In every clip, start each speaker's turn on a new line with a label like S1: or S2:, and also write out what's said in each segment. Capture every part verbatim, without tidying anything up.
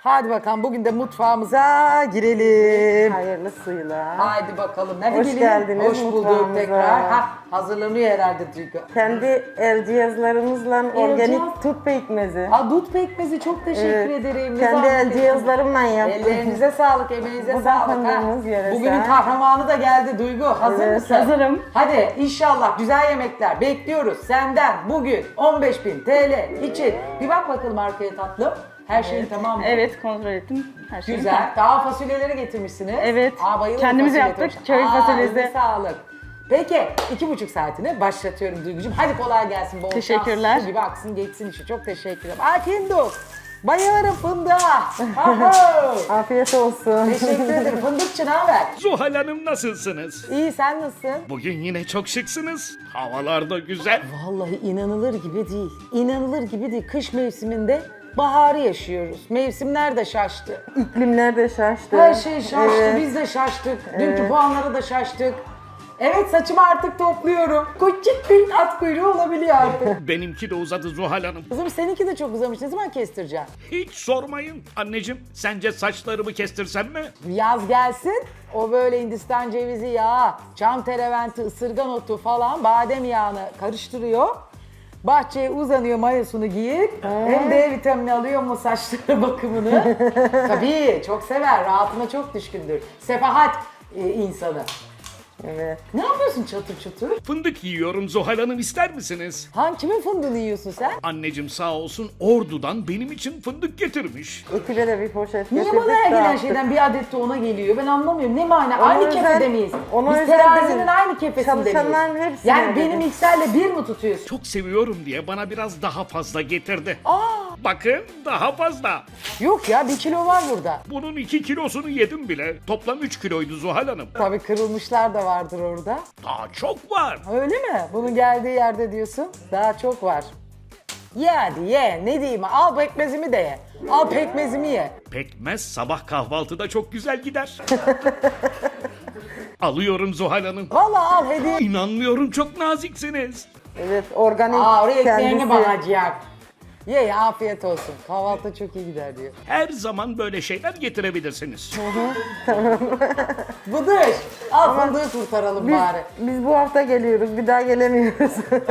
S1: Hadi bakalım bugün de mutfağımıza girelim.
S2: Hayırlısıyla.
S1: Haydi bakalım. Hadi
S2: Hoş
S1: gelin.
S2: geldiniz
S1: Hoş bulduk
S2: mutfağımıza.
S1: tekrar. Ha, hazırlanıyor herhalde Duygu.
S2: Kendi el cihazlarımızla organik
S1: cihaz-
S2: tut pekmezi.
S1: Ha, dut pekmezi çok teşekkür
S2: Evet,
S1: ederim. Ne
S2: kendi el
S1: zahmet
S2: cihazlarımla
S1: ettiniz.
S2: yaptım.
S1: Ellerinize sağlık, emeğinize
S2: Bu da
S1: sağlık.
S2: fındığımız yöresel.
S1: Bugünün kahramanı da geldi Duygu. Hazır
S2: Evet,
S1: mısın?
S3: hazırım.
S1: Hadi inşallah güzel yemekler bekliyoruz senden bugün on beş bin T L için. Bir bak bakalım arkaya tatlım. Her şeyin tamam mı?
S3: Evet, kontrol ettim. Her şey
S1: Güzel.
S3: tamam.
S1: Daha fasulyeleri getirmişsiniz.
S3: Evet.
S1: Aa, bayılırım
S3: Kendimiz
S1: fasulye
S3: yaptık,
S1: turşu.
S3: köy
S1: Aa,
S3: fasulyesi.
S1: eline sağlık. Peki iki buçuk saatine başlatıyorum Duygucuğum. Hadi kolay gelsin. Bol
S3: Teşekkürler.
S1: şans. Gibi aksın geçsin işi. Çok teşekkür ederim. Aa Fındık. Bayılırım fındığa. Aho.
S2: Afiyet olsun.
S1: Teşekkür ederim. Fındıkçı ne haber?
S4: Zuhal Hanım nasılsınız?
S1: İyi sen nasılsın?
S4: Bugün yine çok şıksınız. Havalar da güzel.
S1: Vallahi inanılır gibi değil. İnanılır gibi değil. Kış mevsiminde baharı yaşıyoruz. Mevsimler de şaştı.
S2: İklimler de şaştı.
S1: Her şey şaştı,
S2: Evet.
S1: biz de şaştık. Dünkü puanlara da şaştık. Evet saçımı artık topluyorum. Küçük bir at kuyruğu olabiliyor artık.
S4: Benimki de uzadı Zuhal Hanım.
S1: Kızım seninki de çok uzamış. Ne zaman kestireceksin?
S4: Hiç sormayın. Anneciğim sence saçlarımı kestirsem mi?
S1: Yaz gelsin. O böyle Hindistan cevizi yağı, çam tereventi, ısırgan otu falan badem yağını karıştırıyor. Bahçeye uzanıyor mayosunu giyip hem D vitamini alıyor mu saçları bakımını. Tabii çok sever, rahatına çok düşkündür. Sefahat e, insanı.
S2: Evet.
S1: Ne yapıyorsun çatır çatır?
S4: Fındık yiyorum Zuhal Hanım, ister misiniz?
S1: Han kimin fındığını yiyorsun sen?
S4: Anneciğim sağ olsun Ordu'dan benim için fındık getirmiş.
S2: Ekibe de bir poşet
S1: Niye
S2: getirdik.
S1: bana her gelen
S2: dağıttık.
S1: şeyden bir adet de ona geliyor? Ben anlamıyorum. Ne mana?
S2: Ona
S1: Aynı
S2: özel-
S1: kefede miyiz?
S2: ona
S1: Biz
S2: özel
S1: terazinin
S2: değil.
S1: aynı kefesinde miyiz?
S2: Çalışanların hepsine
S1: Yani
S2: öyle.
S1: benim mikserle bir mi tutuyorsun?
S4: Çok seviyorum diye bana biraz daha fazla getirdi.
S1: Aa,
S4: Bakın daha fazla.
S1: yok ya bir kilo var burada.
S4: Bunun iki kilosunu yedim bile. Toplam üç kiloydu Zuhal Hanım.
S1: Tabii kırılmışlar da vardır orada.
S4: Daha çok var.
S1: Öyle mi? Bunun geldiği yerde diyorsun. Daha çok var. Ye hadi ye. Ne diyeyim? Al pekmezimi de ye. Al pekmezimi ye.
S4: Pekmez sabah kahvaltıda çok güzel gider. Alıyorum Zuhal Hanım.
S1: Vallahi al hediye.
S4: İnanmıyorum, çok naziksiniz.
S2: Evet, organik
S1: Aa oraya ekmeğini
S2: kendisi.
S1: bağlayacak. Ye ye afiyet olsun. Kahvaltı çok iyi gider diyor.
S4: Her zaman böyle şeyler getirebilirsiniz.
S1: Bıdış. Al fındığı kurtaralım
S2: Biz,
S1: bari.
S2: biz bu hafta geliyoruz, bir daha gelemiyoruz.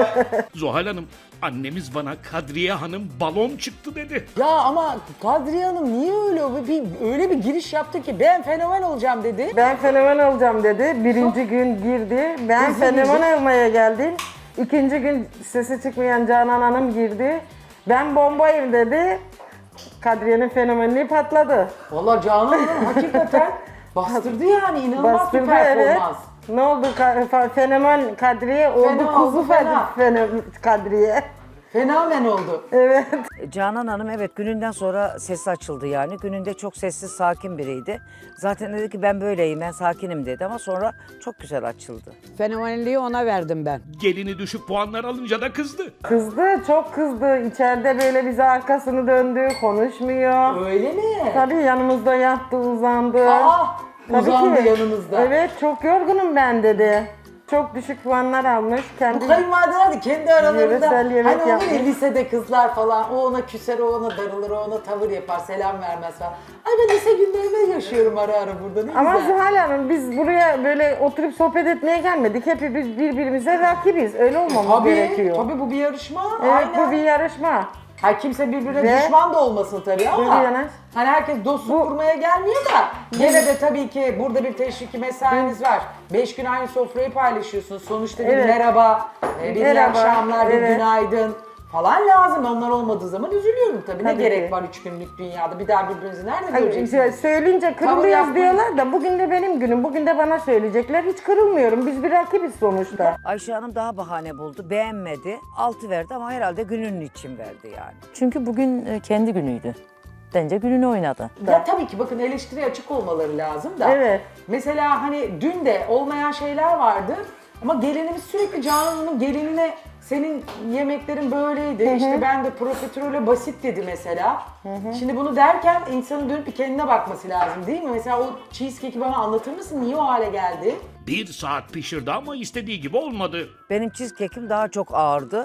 S4: Zuhal Hanım, annemiz bana Kadriye Hanım balon çıktı dedi.
S1: Ya ama Kadriye Hanım niye öyle bir, öyle bir giriş yaptı ki ben fenomen olacağım dedi.
S2: Ben fenomen olacağım dedi. Birinci gün girdi. Ben
S1: Nasıl
S2: fenomen
S1: girdi?
S2: olmaya geldim. İkinci gün sesi çıkmayan Canan Hanım girdi. Ben bombayım dedi. Kadriye'nin fenomenliği patladı.
S1: Vallahi Canan Hanım hakikaten bastırdı yani inanılmaz
S2: Bastırdı,
S1: bir performans.
S2: evet. Ne oldu? Ka- fa- fenomen Kadriye oldu.
S1: Fena
S2: Kuzu
S1: oldu, fena.
S2: fe- fenomen Kadriye.
S1: Fenomen oldu.
S2: Evet.
S5: Canan Hanım evet gününden sonra sesi açıldı yani. Gününde çok sessiz, sakin biriydi. Zaten dedi ki ben böyleyim, ben sakinim dedi ama sonra çok güzel açıldı.
S6: Fenomenliği ona verdim ben.
S4: Gelini düşük puanlar alınca da kızdı.
S2: Kızdı, çok kızdı. İçeride böyle bize arkasını döndü, konuşmuyor.
S1: Öyle mi?
S2: Tabii yanımızda yattı, uzandı.
S1: Aa,
S2: Tabii
S1: uzandı
S2: ki.
S1: yanınızda.
S2: Evet, çok yorgunum ben dedi. Çok düşük puanlar almış.
S1: Bu
S2: Kendi
S1: kayınvalideler de kendi aralarında
S2: Yöresel yemek
S1: hani olur ya
S2: yapmış.
S1: lisede kızlar falan o ona küser o ona darılır o ona tavır yapar selam vermez falan. Ay ben lise günlerinde yaşıyorum ara ara burada ne
S2: Ama
S1: güzel.
S2: Zuhal Hanım biz buraya böyle oturup sohbet etmeye gelmedik. Hepimiz birbirimize rakibiz. Öyle olmamız
S1: Tabii,
S2: gerekiyor.
S1: tabii bu bir yarışma.
S2: Evet,
S1: Aynen.
S2: bu bir yarışma.
S1: Ha kimse birbirine
S2: Ve-
S1: düşman da olmasın tabii ama
S2: Tabii yani.
S1: hani herkes dostluk kurmaya gelmiyor da gene de tabii ki burada bir teşviki mesainiz var. Beş gün aynı sofrayı paylaşıyorsunuz. Sonuçta bir
S2: Evet.
S1: merhaba, e, bir iyi
S2: Merhaba,
S1: akşamlar, bir
S2: evet.
S1: günaydın falan lazım. Onlar olmadığı zaman üzülüyorum tabii. Ne
S2: Tabii
S1: gerek
S2: ki.
S1: var üç günlük dünyada? Bir daha birbirinizi nerede
S2: Hani
S1: göreceksiniz?
S2: işte söyleyince
S1: Tavır
S2: kırılıyoruz
S1: yapmayın.
S2: diyorlar da bugün de benim günüm. Bugün de bana söyleyecekler. Hiç kırılmıyorum. Biz bir rakibiz sonuçta.
S5: Ayşe Hanım daha bahane buldu, beğenmedi. Altı verdi ama herhalde gününün için verdi yani.
S7: Çünkü bugün e, kendi günüydü. Bence gününü oynadı.
S1: Ya tabii ki bakın eleştiriye açık olmaları lazım da.
S2: Evet.
S1: Mesela hani dün de olmayan şeyler vardı ama gelinimiz sürekli Canan Hanım gelinine senin yemeklerin böyleydi. İşte ben de profiterole basit dedi mesela. Şimdi bunu derken insanın dönüp bir kendine bakması lazım değil mi? Mesela o cheesecake'i bana anlatır mısın? Niye o hale geldi?
S4: Bir saat pişirdi ama istediği gibi olmadı.
S5: Benim cheesecake'im daha çok ağırdı.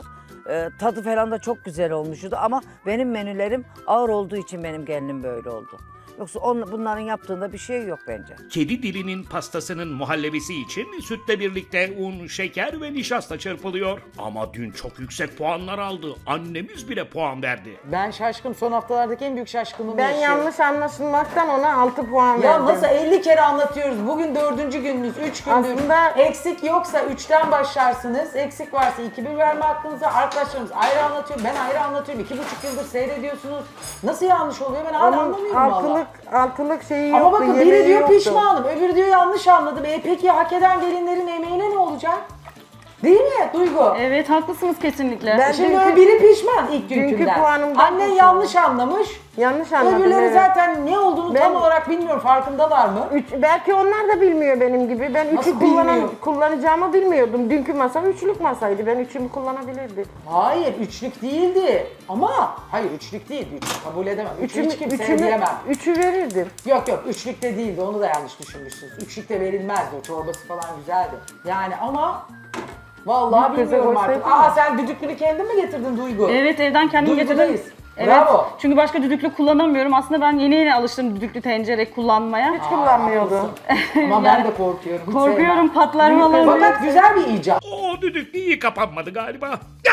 S5: E, tadı falan da çok güzel olmuştu ama benim menülerim ağır olduğu için benim gelinim böyle oldu. Yoksa on, bunların yaptığında bir şey yok bence.
S4: Kedi dilinin pastasının muhallebisi için sütle birlikte un, şeker ve nişasta çırpılıyor. Ama dün çok yüksek puanlar aldı. Annemiz bile puan verdi.
S1: Ben şaşkın. Son haftalardaki en büyük şaşkınlığımı
S2: Ben
S1: yaşıyorum.
S2: yanlış anlaşılmaktan ona altı puan
S1: Ya
S2: verdim.
S1: nasıl elli kere anlatıyoruz. Bugün dördüncü gününüz, üç gündür.
S2: Aslında-
S1: Eksik yoksa üçten başlarsınız. Eksik varsa iki bir verme hakkınızı. Arkadaşlarımız ayrı anlatıyor. Ben ayrı anlatıyorum. İki buçuk yıldır seyrediyorsunuz. Nasıl yanlış oluyor ben hala
S2: Onun
S1: anlamıyorum valla.
S2: altılık, altılık şeyi
S1: Ama
S2: yoktu,
S1: bakın biri
S2: yemeği
S1: diyor
S2: yoktu.
S1: pişmanım, öbürü diyor yanlış anladım. E peki hak eden gelinlerin emeğine ne olacak? Değil mi Duygu?
S3: Evet haklısınız kesinlikle.
S2: Ben
S1: Şimdi
S2: dünkü-
S1: biri pişman ilk
S2: dünkü
S1: günkünden.
S2: puanımdan
S1: Annen
S2: pişman.
S1: yanlış anlamış.
S2: Yanlış anladım.
S1: Öbürleri
S2: evet.
S1: zaten ne olduğunu
S2: Ben-
S1: tam olarak bilmiyorum. Farkındalar mı?
S2: Üç, belki onlar da bilmiyor benim gibi. Ben
S1: Nasıl
S2: üçü kullanan,
S1: bilmiyor?
S2: kullanacağımı bilmiyordum. Dünkü masa üçlük masaydı. Ben üçümü kullanabilirdim.
S1: Hayır, üçlük değildi. Ama hayır üçlük değildi. Üç, kabul edemem. Üçü
S2: Üçümü,
S1: hiç kimseye
S2: üçümü,
S1: diyemem.
S2: üçü verirdim.
S1: Yok yok, üçlük de değildi. Onu da yanlış düşünmüşsünüz. Üçlük de verilmezdi. O çorbası falan güzeldi. Yani ama vallahi
S2: Bir göze
S1: bilmiyorum artık.
S2: koysaydın
S1: Aa
S2: ya.
S1: sen düdüklünü kendin mi getirdin Duygu?
S3: Evet evden kendim
S1: Duygudayız.
S3: getirdim. Evet.
S1: Bravo.
S3: Çünkü başka düdüklü kullanamıyorum. Aslında ben yeni yeni alıştım düdüklü tencere kullanmaya.
S2: Hiç kullanmıyordum.
S1: Ama ben de korkuyorum. hiç
S3: Korkuyorum
S1: sevmem.
S3: patlar falan.
S1: Fakat güzel bir icat.
S4: O düdük iyi kapanmadı galiba.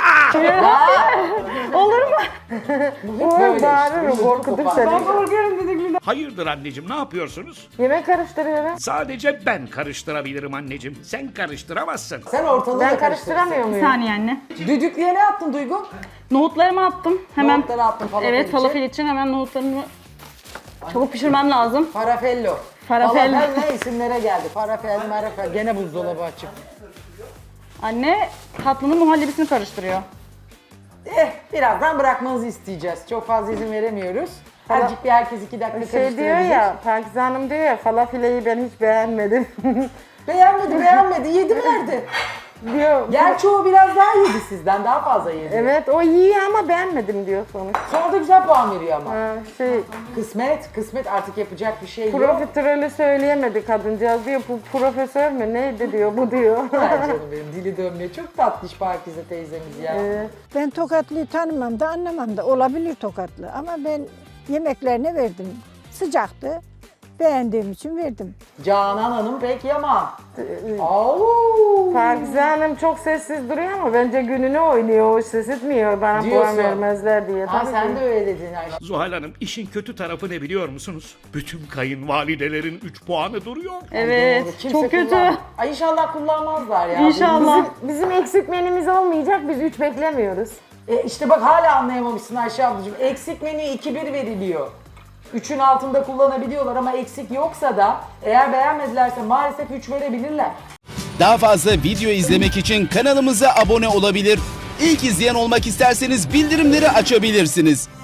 S3: Olur mu?
S2: O
S1: Böyle
S2: bağırır,
S1: işte,
S2: korkutur
S1: kopar.
S2: seni.
S3: Ben korkuyorum düdüklüden.
S4: Hayırdır anneciğim ne yapıyorsunuz?
S2: Yemek karıştırıyorum.
S4: Sadece ben karıştırabilirim anneciğim. Sen karıştıramazsın.
S1: Sen ortalığı da
S2: Ben
S1: karıştırırsın.
S2: karıştıramıyor
S3: Bir
S2: muyum?
S3: saniye anne.
S1: Düdüklüye ne attın Duygu?
S3: Nohutlarımı attım. Hemen.
S1: Nohutları attın falafel
S3: Evet
S1: için.
S3: falafel için hemen nohutlarımı çabuk pişirmem lazım.
S1: Farafello.
S3: Farafello.
S1: Falafel ne isimlere geldi? Farafel, marafel. Gene buzdolabı açık.
S3: Anne tatlının muhallebisini karıştırıyor.
S1: Eh, birazdan bırakmanızı isteyeceğiz. Çok fazla izin veremiyoruz. Azıcık bir herkes iki dakika
S2: Şey diyor
S1: karıştırabilir.
S2: ya, Pakize Hanım diyor ya, falafileyi ben hiç beğenmedim.
S1: Beğenmedi, beğenmedi. Yedi verdi.
S2: diyor.
S1: Gerçi o biraz daha yedi sizden. Daha fazla yedi.
S2: Evet, o iyi ama beğenmedim diyor sonuç.
S1: Sonra da güzel puan veriyor ama.
S2: Ha, şey,
S1: Kısmet, kısmet artık yapacak bir şey yok.
S2: profiterolü söyleyemedi kadıncağız diyor, bu profesör mü neydi diyor, bu diyor.
S1: Ay canım benim dili dönmüyor. Çok tatlış Pakize teyzemiz ya.
S2: Evet.
S8: Ben Tokatlı'yı tanımam da anlamam da olabilir Tokatlı ama ben yemeklerine verdim. Sıcaktı. Beğendiğim için verdim.
S1: Canan Hanım pek yaman. Au.
S2: Pakize Hanım çok sessiz duruyor ama bence gününü oynuyor, o ses etmiyor bana puan
S1: Diyorsun.
S2: vermezler diye.
S1: Ha
S2: Tabii
S1: sen
S2: ki.
S1: de öyle dedin Ayşe.
S4: Zuhal Hanım işin kötü tarafı ne biliyor musunuz? Bütün kayınvalidelerin üç puanı duruyor.
S3: Evet
S1: Doğru, kimse
S3: çok kötü.
S1: kullan- Ay inşallah kullanmazlar ya.
S3: İnşallah.
S2: Bizim, bizim eksik menümüz olmayacak, biz üç beklemiyoruz.
S1: E işte bak hala anlayamamışsın Ayşe ablacığım. Eksik menü iki bir veriliyor. üçün altında kullanabiliyorlar ama eksik yoksa da eğer beğenmedilerse maalesef üç verebilirler.
S9: Daha fazla video izlemek için kanalımıza abone olabilir. İlk izleyen olmak isterseniz bildirimleri açabilirsiniz.